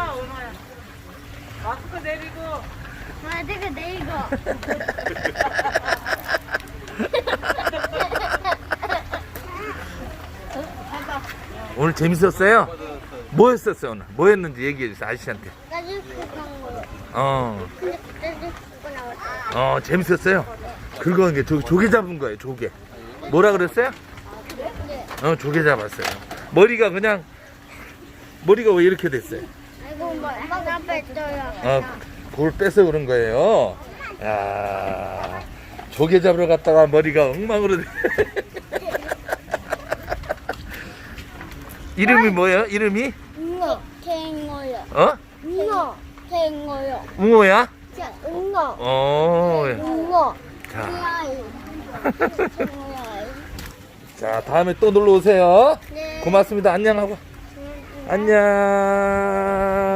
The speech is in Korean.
은호야. 마스크 내리고. 마스크 내리고. 오늘 재밌었어요? 뭐 했었어요 오늘? 뭐 했는지 얘기해 주세요 아저씨한테. 나중에 그런 거. 근데 나중에 그거 나왔어. 재밌었어요? 그거 이게 조개 잡은 거예요 조개. 뭐라 그랬어요? 네. 조개 잡았어요. 머리가 왜 이렇게 됐어요? 아이고 뭐 하나 뺐어요. 볼 빼서 그런 거예요. 야, 조개 잡으러 갔다가 머리가 엉망으로 돼. 이름이 뭐예요? 이름이? 웅어. 갱어요. 어? 웅어. 갱어요. 웅어야? 자, 웅어. 웅어. 자, 갱어요. 자, 다음에 또 놀러 오세요. 네. 고맙습니다. 안녕하고. 안녕.